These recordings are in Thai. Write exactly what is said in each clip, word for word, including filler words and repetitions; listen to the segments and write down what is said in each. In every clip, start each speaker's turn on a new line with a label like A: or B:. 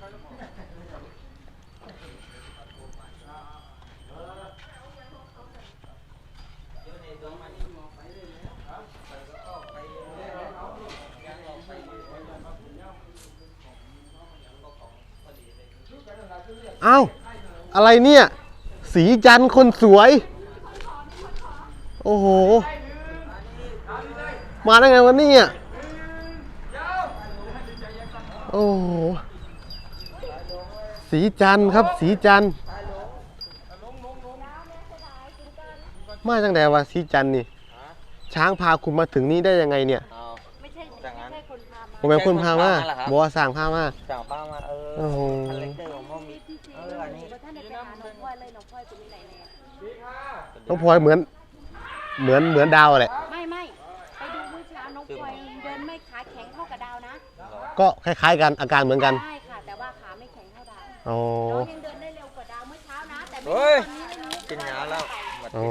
A: อ้าวอะไรเนี่ยสีจันทร์คนสวยโอ้โหมาได้ไงวันนี้อ่ะโอ้โหสีจันทร์ครับสีจันทร์มาจังแต่ว่าสีจันทร์นี่ช้างพาคุณมาถึงนี่ได้ยังไงเนี่ย
B: ไม่ใช่ไม่ใช่คนพามา
A: ผมเป็นคนพามาบัวสั่งพามา
C: สั่งพามาเออ
A: โอ้โห
C: เอออันนี้
B: ท่านอาจารย์น้องพลอยเลยน้องพลอยเป็นที่ไหนเลย
A: น้องพลอยเหมือนเหมือนเหมือนดาวแหละ
B: ไม่ไม่ไปดูเมื่อเช้าน้องพลอยเดินไม่ขาแข็งเท่ากับดาวนะ
A: ก็คล้ายๆกันอาการเหมือนกัน
B: ใช่ค่ะแต่ว่าขาไม่แข็งเท่าดาว
A: อ๋อ
B: น้องยังเดินได้เร็วกว่าดาวเมื่อเช้านะแต่ไม่
C: รู้
B: ตอนนี้
C: กินยาแล้ว
A: อ๋อ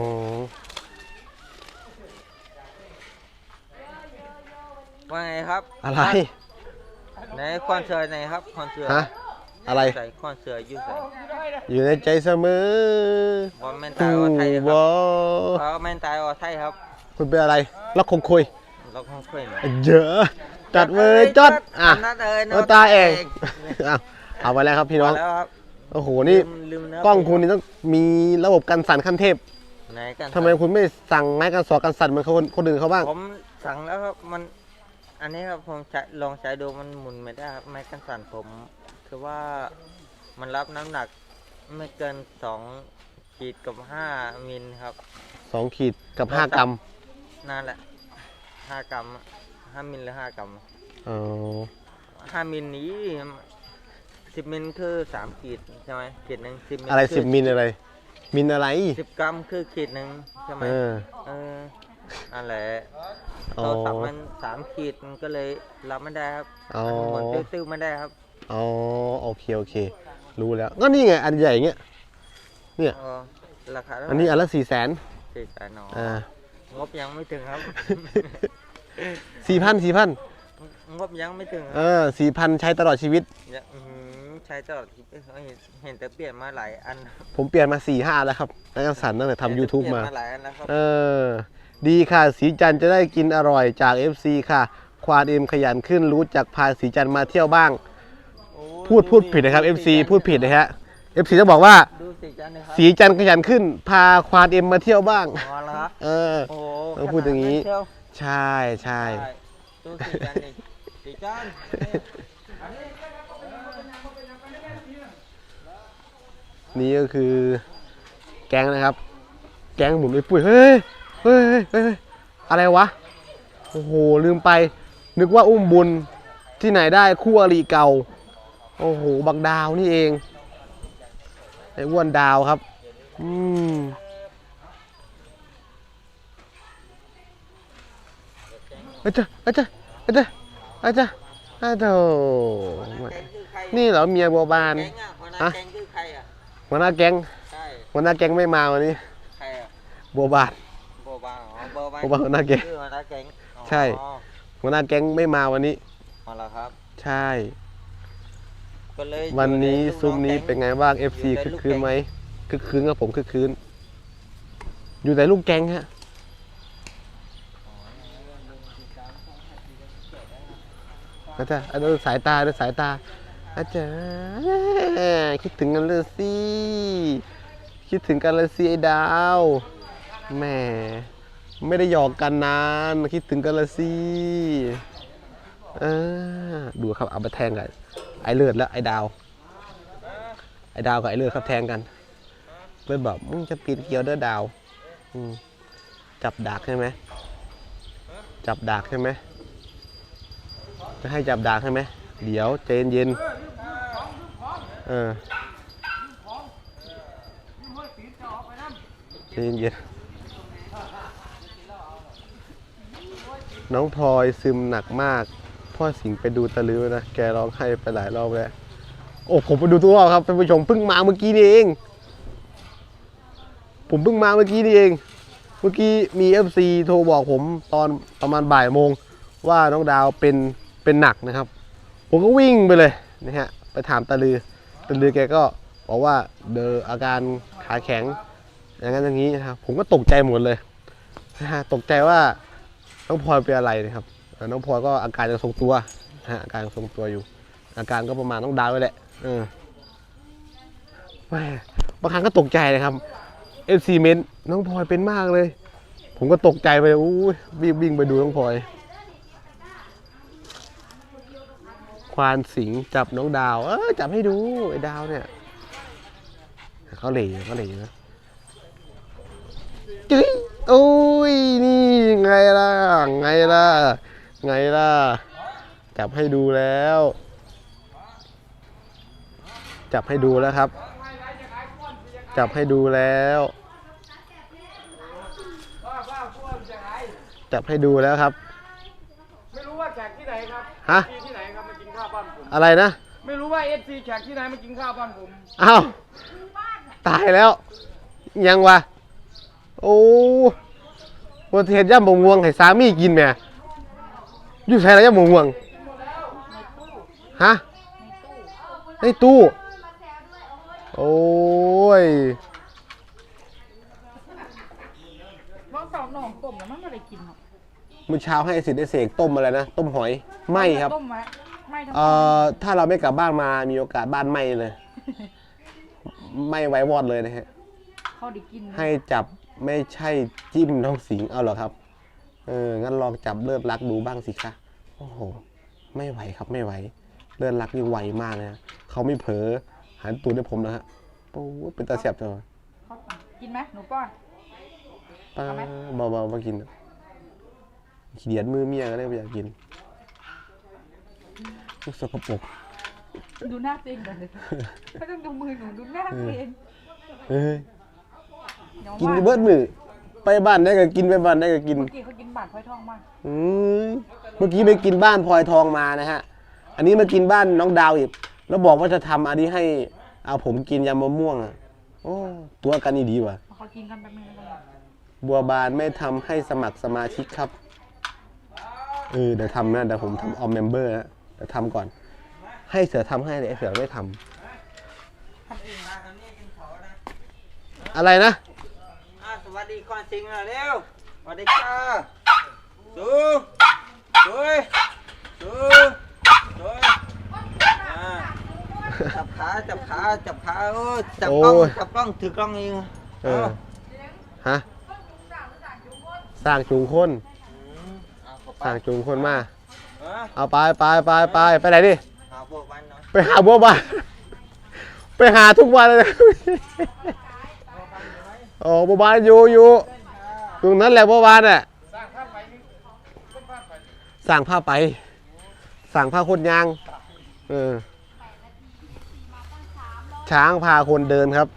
C: ว่าไงครับ
A: อะไร
C: ในคอนเสิร์ตไหนครับคอนเสิร์ต
A: ฮะอะไร
C: ใส่คอนเสิร์ตอยู่ใส่
A: อยู่ในใจเสมอบ
C: อลแมนตายอไทยครับบอลแมนตายอไทยครับ
A: คุณเป็นอะไรล็อกคงคุย
C: ล็อกคงคุย
A: เยอะจัดมือจดอ่ะเออตาเองเอาเอาไปแล้วครับพี่น้องโอ้โหนี่กล้องคุณนี่ต้องมีระบบกันสั่นขั้นเทพทำไมคุณไม่สั่งไม้กันสอกันสั่นเหมือนคนคนอื่นเขาบ้าง
C: ผมสั่งแล้วครับมันอันนี้ครับผมใช้ลองใช้ดูมันหมุนไม่ได้ครับไม้กันสั่นผมคือว่ามันรับน้ำหนักไม่เกินสองขีดกับห้ามิลครับ
A: สองขีดกับห้ากรัม
C: นั่นแหละห้ากรัมห้ามิลหรือห้ากรัม
A: อ๋อ
C: ห้ามิลนี้สิบมิลคือสามขีดใช่ไหมขีดหนึ่งสิบมิล
A: อะไรสิบมิลอะไรมิลอะไร
C: สิบกรัมคือขีดหนึ่งใช่ไหมเออเออนั่นแหละเราสับมันสามขีดมันก็เลยรับไม่ได้ครับมันหมุนติ้วๆไม่ได้ครับ
A: อ๋อโอเคโอเครู้แล้วก็นี่ไงอันใหญ่เงี้ยเนี่ย
C: ราคา
A: อันนี้อันละสี่แสน
C: สี่แสนเนาะอ่างบยังไม่ถึงครับ
A: สี่พันสี่พัน
C: งบยังไม่ถึง
A: เออสี่พันใช้ตลอดชีวิต
C: ใช้ตลอดชีวิตเห็นแต่เปลี่ยนมาหลายอัน
A: ผมเปลี่ยนมาสี่ห้าแล้วครับนักสั่นตั้งแต่ทำยูทูบมา
C: หลายอันแล้วครับ
A: เออดีค่ะสีจันจะได้กินอร่อยจาก เอฟ ซี ค่ะควานเอ็มขยันขึ้นรู้จักพาสีจันมาเที่ยวบ้างพูดพูดผิดนะครับ เอฟ ซี พูดผิดนะฮะ เอฟ ซี ต้องบอกว่าสีจันขยันขึ้นพาควานเอ็มมาเที่ยวบ้างเออต้องพูดอย่างนี้ใช่ใช่นี่ก็คือแก๊งนะครับแก๊งหมุนไปปุ้ยเฮ้ยเฮ้ยเฮ้ยอะไรวะโอ้โหลืมไปนึกว่าอุ้มบุญที่ไหนได้คู่อริเก่าโอ้โหบักดาวนี่เองไอ้อ้วนดาวครับอืมอาจารย์อาจารย์อาจารย์อาจารย์อาจารย์นี่เหรอเมียบัวบานฮะหัวหน้าแก๊งหัวหน้าแก๊งไม่มาวันนี้บัวบาน
C: บัวบานบัวบาน
A: หัวหน้าแก๊งใช่หัวหน้าแก๊งไม่มาวันนี้
C: อ๋อเหรอครับ
A: ใช่วันนี้ซุ้มนี้เป็นไงบ้าง เอฟ ซี คึกคืนไหมคึกคืนกับผมคึกคืนอยู่แต่ลูกแก๊งฮะอาจารย์ดูสายตาดูสายตาอาจารย์คิดถึงกันเลยสิคิดถึงกันเลยสิไอ้ดาวแหมไม่ได้หยอกกันนานคิดถึงกันเลยสิเออดูครับเอาไปแทงกันไอ้เลือดแล้วไอ้ดาวไอ้ดาวกับไอ้เลือดครับแทงกันเลือดแบบมึงจะปีนเกี่ยวเด้อดาวจับดักใช่ไหมจับดักใช่ไหมจะให้จับดักใช่ไหมเดี๋ยวเจนเย็นเออเจนเย็นน้องพลอยซึมหนักมากพ่อสิงไปดูตะลือนะแกร้องไห้ไปหลายรอบแล้วโอ้ผมไปดูตัวครับท่านผู้ชมเพิ่งมาเมื่อกี้นี่เองผมเพิ่งมาเมื่อกี้นี่เองเมื่อกี้มี เอฟ ซี โทรบอกผมตอนประมาณบ่ายโมงว่าน้องดาวเป็นเป็นหนักนะครับผมก็วิ่งไปเลยนะฮะไปถามตาลือตาลือแกก็บอกว่าเดออาการขาแข็งอย่างนั้นอย่างนี้นะครับผมก็ตกใจหมดเลยนะฮะตกใจว่าน้องพลอยเป็นอะไรนะครับน้องพลอยก็อาการยังทรงตัวนะฮะอาการยังทรงตัวอยู่ อาการก็ประมาณต้องดาวไว้แหละเออแม่บางครั้งก็ตกใจนะครับเอฟซีเมนน้องพลอยเป็นมากเลย ผมก็ตกใจไปอู้วิ่งวิ่งไปดูน้องพลอยควานสิงจับน้องดาวเออจับให้ดูไอ้ดาวเนี่ยเขาเหล่เขาเหล่นะจึ๊ยโอ้ยนี่ไงล่ะไงล่ะไงล่ะจับให้ดูแล้วจับให้ดูแล้วครับจับให้ดูแล้วจับให้ดูแล้วครับ
D: ไม่รู้ว่าแขกที่ไหนครับ
A: ฮะ
D: ที่ไหนครับมากินข้าวบ้านผม
A: อะไรนะ
D: ไม่รู้ว่าเอฟซีแขกที่ไหนมากินข้าวบ้านผม
A: อ้าวตายแล้วยังวะโอ้วันเทศย่ำบงวงให้สามีกินแม่อยู่ใช่แล้วย่ำบงวงฮะในตู้โอ้ย
B: น้องสาวหนองต้มแล้วมันไม่ได้กินหรอก
A: มื้อเช้าให้สิทธิ์ได้เสกต้มอะไรนะต้มหอยไหมครับ
B: ต้มไว้ไม่ทั้ง
A: เอ่อถ้าเราไม่กลับบ้านมามีโอกาสบ้านไหมเลยไหมไว้วอดเลยนะฮะ
B: เขาได้กิน
A: ให้จับไม่ใช่จิ้มน้องสิงเอาเหรอครับเอองั้นลองจับเลือดรักดูบ้างสิคะโอ้โหไม่ไหวครับไม่ไหวเลือดรักนี่ไวมากเลยนะเขาไม่เผลอหันตูดให้ผมนะฮะโอ้เป็นตาเสียบจังเลย
B: เขากินไหมหนูป้อน
A: ป้าเบาๆมากินขี้เดียดมือเมียก็เลยไม่อยากกินลูกสกปรก
B: ดูหน้าตัวเองก่อนเลยไม่ต้องดูมือหนูดูหน้าตัวเอง
A: เฮ้ย
B: เดี๋ยว
A: กิน
B: ว่า
A: เบิดมือไปบ้านได้ก็กินไปบ้านได้ก็กิน
B: เมื่อกี้เขากินบาดพลอยทองมาก
A: อืมเมื่อกี้ไปกินบ้านพลอยทองมานะฮะอันนี้มากินบ้านน้องดาวอีกแล้วบอกว่าจะทำอันนี้ให้เอาผมกินยำมะม่วงอ่ะโอ้ตัวกันนี่ดีว่ะ
B: เขากินกันแป๊บนึงแล้วกัน
A: บัวบานไม่ทำให้สมัครสมาชิกครับเออเดี๋ยวทำนะเดี๋ยวผมทำออมเมมเบอร์นะเดี๋ยวทำก่อน ให้เสือทำให้เลยไอ้เสือไม่ทำอะไรนะ
C: อ่าสวัสดีก่อนสิงห์หน่อยเร็วสวัสดีค่ะสูสูสูสูอ่าจับขาจับขาจับขาโอ้จับกล้องจับกล้องถือกล้องเอง
A: เออฮะสร้างจูงคนสร้างจูงคนมาเอาไปไปไปไปไปไหนดิ
C: หาพวกบ้านน้อย
A: ไปหาบัวบานไปหาทุกวันเลยโอ้บัวบานอยู่อยู่ตรงนั้นแหละบัวบานอ่ะสั่งผ้าไปสั่งผ้าคนยางเออช้างพาคนเดินครับ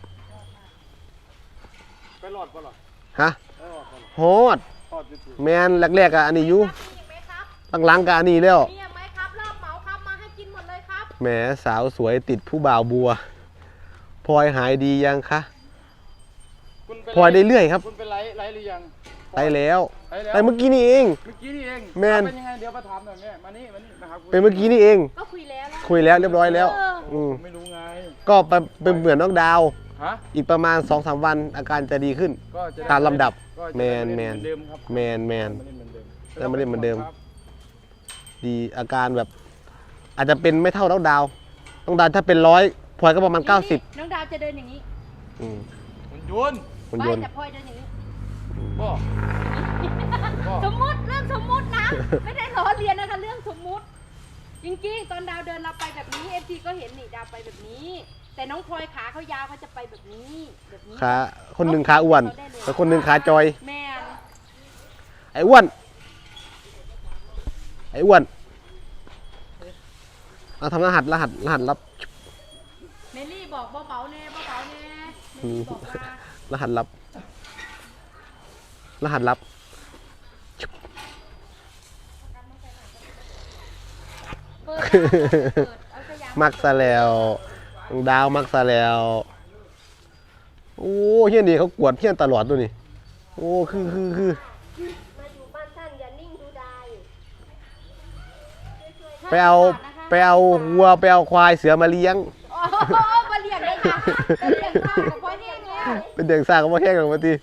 D: ไปหลอดปะหรอ
A: ฮะ
D: ไปหลอดปะหรอ
A: โหด
D: ทอดอยู่
A: แมนแรกๆอะอันนี้อยู่หลังๆกับอันนี้แล้ว
B: มีไหมครับรอบเหมาครับมาให้กินหมดเลยครับ
A: แหมสาวสวยติดผู้บ่าวบัวพลอยหายดียังคะ
D: คุณไป
A: พลอยได้เรื่อยครับ
D: คุณไปไลฟ์ไลฟ์หรือยัง
A: ไปแล้ว
D: ไปแล้ว
A: ไปเมื่อกี้นี่เอง
D: เมื่อกี้นี่เอง
A: แมน
D: เป็นยังไงเดี๋ยวมาถามหน่อยแม่มานี่มานี่มาหาคุณ
A: เป็นเมื่อกี้นี่เอง
B: ก็คุยแล้วแล้ว
A: คุยแล้วเรียบร้อยแล้วอืม
D: ไม่รู้ไง
A: ก็ไปเป็นเหมือนน้องดาว
D: ฮะ
A: อีกประมาณ สองสาม วันอาการจะดีขึ้น
D: ก็จะไ
A: ตามลำดับ
D: ก็จะ
A: แมน
D: ได้
A: แมน
D: เหอเดิมครับ
A: แมนแมน
D: ไมาเล่นเหมือนเดิม
A: แล้วมาเล่นเหมือนเดิม ดีอาการแบบ อาจจะเป็นไม่เท่าน้องดาวน้องดาวถ้าเป็นร้อยพลอยก็ประมาณเก้าสิบ
B: น้องดาวจะเดินอย่างนี้
A: อืม
D: คุณยนต์
A: คุณ
B: ไม่
A: ยนต์
B: แต่พลอยเดินอย่างนี้
D: บ่
B: สมมุติเรื่องสมมุตินะ ไม่ได้ล้อเลียนนะคะเรื่องสมมุติ จริงๆ ตอนดาวเดินเราไปแบบนี้เอฟซีก็เห็นนี่ดาวไปแบบนี้ แต่น้องพลอยขาเขายาวเขาจะไปแบบนี้แบบนี้
A: ขาคนหนึ่งขาอ้วนแล้วคนหนึ่งขาจอย
B: แม่น
A: ไอ้อ้วนไอ้อ้วนเอาทำรหัสรหัสรหัสลับ
B: เมลี่บอกเบาๆแน่เบาๆแน่เม
A: อื
B: ลี่
A: ม
B: บอกว่าร
A: หัสลับรหัสลับ
B: เปิดนะเปิดเอาสยาม
A: มักซะแล้วน้องดาวมักซะแล้วโอ้เฮียนี่เขากวดเฮียนตลอดตัวนี่โอ้คือคือคือ
B: มาอยู่บ้านท่านอย่านิ่งดูดาย
A: ไปเอา
B: นะคะ
A: ไปเอาวัวไปเอาควายเสือมาเลี้ยง
B: โอ้โหมาเลี้ยงได้ค่ะมาเลี้ยงข้าวกับพ่อแห้งแล้ว
A: เป็นเด็กสร้างก็มาแข่งกันมาที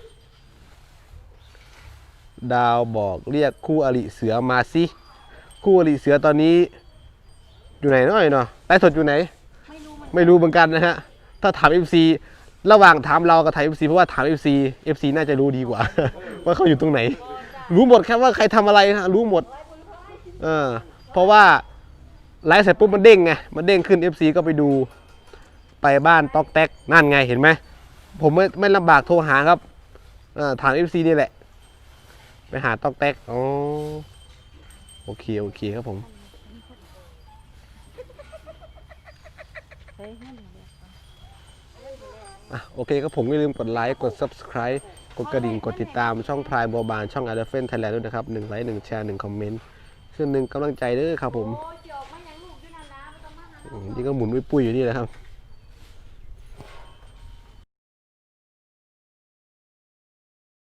A: ดาวบอกเรียกคู่อริเสือมาสิคู่อริเสือตอนนี้ อยู่ไหนหน่อยเนาะไลฟ์สดอยู่ไหน
B: ไม่รู้มัน
A: ไม่รู้เหมือนกันนะฮะ ถ้าถาม เอฟ ซี ระหว่างถามเรากับถาม เอฟ ซี เพราะว่าถาม เอฟ ซี เอฟ ซี น่าจะรู้ดีกว่า ว่าเขาอยู่ตรงไหน รู้หมดแค่ว่าใครทำอะไรนะรู้หมดเออเพราะว่าไลฟ์เสร็จปุ๊บมันเด้งไงมันเด้งขึ้น เอฟ ซี ก็ไปดูไปบ้านต๊อกแต๊กนั่นไงเห็นไหมผมไม่ไม่ลำบากโทรหาครับเออถาม เอฟ ซี นี่แหละไปหาต๊อกแต๊กอ๋อโอเคโอเคครับผม อ่ะโอเคครับผมอย่าลืมกดไลค์กด ซับสไครบ์ กดกระดิ่งกดติดตามช่องพรายบัวบานช่องอาร์เดฟเฟนไทยแลนด์ด้วยนะครับหนึ่งไลค์หนึ่งแชร์หนึ่งคอมเมนต์คือหนึ่งกำลังใจเด้อครับผม
B: โอ้เจียวไม่ยังลูกด้วยนะนะไม่ต้องมาหา
A: อืมนี่ก็หมุนปุ้ยๆอยู่นี่แหละครับ